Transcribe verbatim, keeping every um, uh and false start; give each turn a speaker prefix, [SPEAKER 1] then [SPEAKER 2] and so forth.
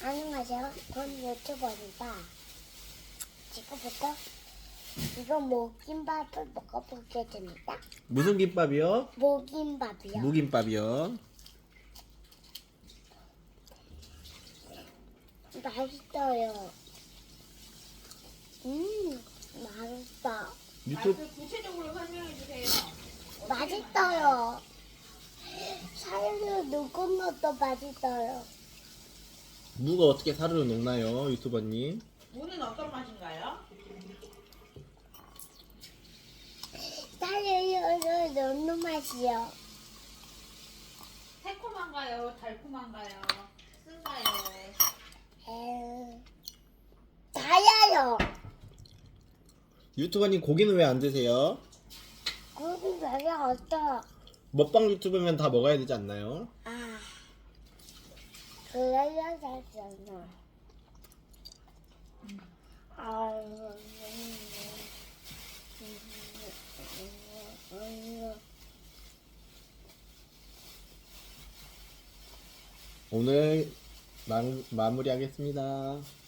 [SPEAKER 1] 안녕하세요. 전 유튜버입니다. 지금부터 이거 모김밥을 먹어보겠습니다.
[SPEAKER 2] 무슨 김밥이요?
[SPEAKER 1] 모김밥이요.
[SPEAKER 2] 무김밥이요.
[SPEAKER 1] 맛있어요. 음, 맛있다.
[SPEAKER 2] 유튜브
[SPEAKER 3] 맛을 구체적으로 설명해 주세요.
[SPEAKER 1] 맛있어요. 살을 넣은 것도 맛있어요.
[SPEAKER 2] 무가 어떻게 사르르 녹나요, 유튜버님?
[SPEAKER 3] 무는 어떤 맛인가요?
[SPEAKER 1] 살을 넣는 맛이요.
[SPEAKER 3] 새콤한가요? 달콤한가요? 쓴가요?
[SPEAKER 1] 에... 달아요.
[SPEAKER 2] 유튜버님 고기는 왜 안 드세요?
[SPEAKER 1] 고기 별로 없어.
[SPEAKER 2] 먹방 유튜브면 다 먹어야 되지 않나요?
[SPEAKER 1] 아, 그래야 됐잖아. 아,
[SPEAKER 2] 오늘 마, 마무리하겠습니다.